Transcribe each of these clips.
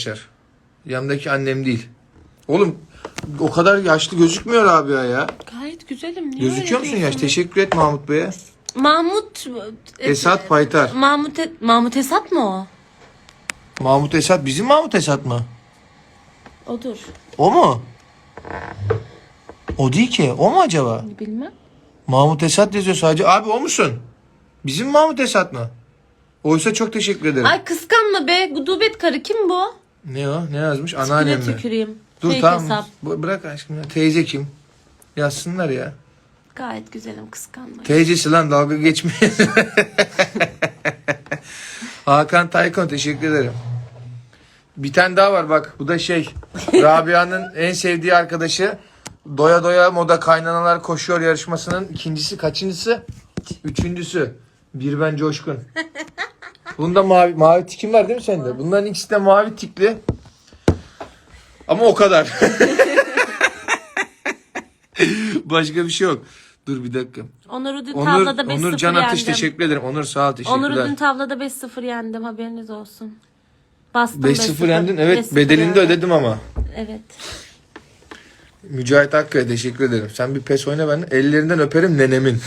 Yanımdaki annem değil. Oğlum o kadar yaşlı gözükmüyor abi ya. Gayet güzelim. Niye Gözüküyor öyle musun yaş? diyorsun? Teşekkür et Mahmut Bey'e. Mahmut Esat Paytar. Mahmut Esat mı o? Mahmut Esat bizim Mahmut Esat mı? Odur. O mu? O değil ki. O mu acaba? Bilmem. Mahmut Esat yazıyor sadece. Abi o musun? Bizim Mahmut Esat mı? Oysa çok teşekkür ederim. Ay kıskanma be. Gudubet karı kim bu? Ne o? Ne yazmış? Anneannem Tipine mi? tüküreyim. Dur Fake tamam. hesap. Bırak aşkım ya. Teyze kim? Yazsınlar ya. Gayet güzelim, kıskanma. Teyzesi lan, dalga geçmeyin. Hakan Taykon teşekkür ederim. Bir tane daha var bak. Bu da Rabia'nın en sevdiği arkadaşı. Doya doya moda kaynanalar koşuyor yarışmasının ikincisi kaçıncısı? Üçüncüsü. Bir ben coşkun. Bunda mavi tikim var değil mi sende? Bunların ikisi de mavi tikli. Ama o kadar. Başka bir şey yok. Dur bir dakika. Onur'u dün tavlada 5-0 Onur Can Atış yendim. teşekkür ederim. Onur sağ ol, teşekkürler. Onur'u dün tavlada 5-0 yendim, haberiniz olsun. Bastım 5-0 yendin. Evet 5-0 bedelini de yendim. ödedim ama. Evet. Mücahit Akkaya teşekkür ederim. Sen bir pes oyna ben. Ellerinden öperim nenemin.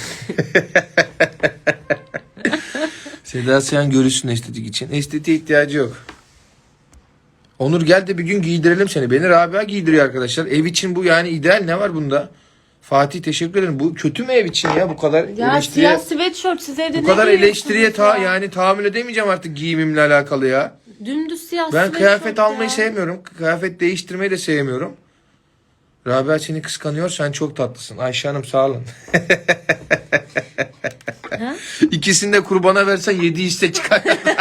Seda Sayan görüşsün estetik için. Estetiğe ihtiyacı yok. Onur gel de bir gün giydirelim seni. Beni Rabia giydiriyor arkadaşlar. Ev için bu yani ideal, ne var bunda? Fatih teşekkür ederim. Bu kötü mü ev için ya bu kadar Ya eleştiriye? siyah sweatshirt siz evde Bu ne kadar eleştiriye giyiyorsunuz ya? yani tahammül edemeyeceğim artık giyimimle alakalı ya. Dümdüz siyah Ben sweatshirt kıyafet ya. almayı sevmiyorum. Kıyafet değiştirmeyi de sevmiyorum. Rabia seni kıskanıyor. Sen çok tatlısın. Ayşe Hanım sağ olun. Ha? İkisini de kurbana versen 7 hisse çıkar.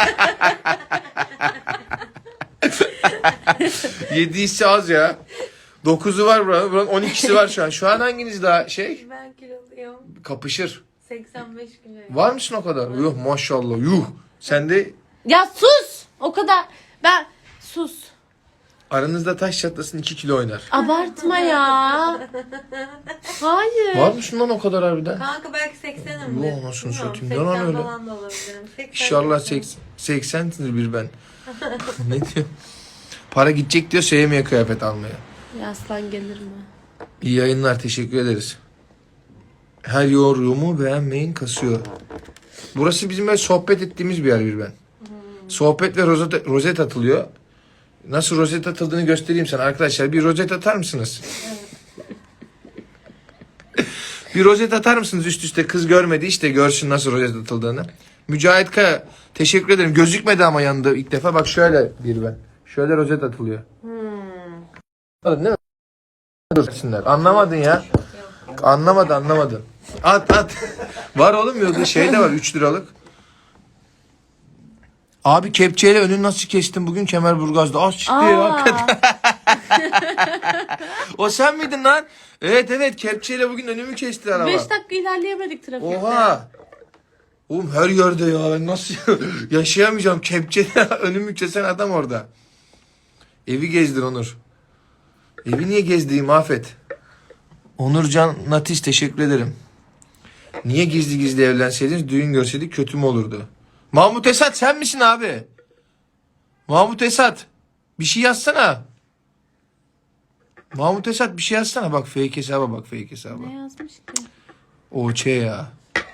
7 hisse az ya. 9'u var buranın 12'si var şu an. Şu an hanginiz daha Ben kiloluyum. kapışır. 85 kiloyum. Var mısın o kadar? Yuh maşallah yuh. Sen de Ya sus! O kadar. Sus. aranızda taş çatlasın 2 kilo oynar. Abartma ya. Hayır. Var mısın lan o kadar harbiden? Kanka belki 80'imdir. Yuh anasını Bilmiyorum, satayım. Ne lan 80 öyle? falan da olabilirim. 80 İnşallah 80'sindir bir ben. Ne diyor? Para gidecek diyor, sevmiyor kıyafet almaya. Ya aslan gelir mi? İyi yayınlar, teşekkür ederiz. Her yorumu beğenmeyin kasıyor. Burası bizim böyle sohbet ettiğimiz bir yer bir ben. Sohbet ve rozet atılıyor. Nasıl rozet atıldığını göstereyim sana arkadaşlar. Bir rozet atar mısınız? Bir rozet atar mısınız üst üste? Kız görmedi işte, görsün nasıl rozet atıldığını. Mücahit Kaya teşekkür ederim. Gözükmedi ama yanında ilk defa. Bak şöyle bir ben. Şöyle rozet atılıyor. Anladın değil mi? Anlamadın ya. Anlamadın. At. Var oğlum yolda şey de var 3 liralık. Abi kepçeyle önünü nasıl kestin bugün Kemerburgaz'da? Az çıktı ya hakikaten. O sen miydin lan? Evet kepçeyle bugün önümü kesti araba. 5 dakika ilerleyemedik trafikte. Oha. Oğlum her yerde ya. Ben nasıl yaşayamayacağım. Kepçeyle önümü kesen adam orada. Evi gezdir Onur. Evi niye gezdireyim Afet? Onurcan Natiş teşekkür ederim. Niye gizli evlenseydiniz, düğün görseydik kötü mü olurdu? Mahmut Esat sen misin abi? Mahmut Esat bir şey yazsana. Mahmut Esat bir şey yazsana. Bak fake hesaba bak fake hesaba. Ne yazmış ki? Oçe ya.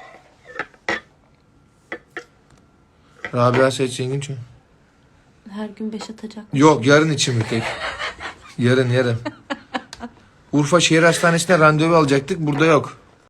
Rabia Seyit Zengin çünkü. Her gün 5 atacak. Yok yarın için mi tek? Yarın. Urfa Şehir Hastanesi'ne randevu alacaktık. Burada yok.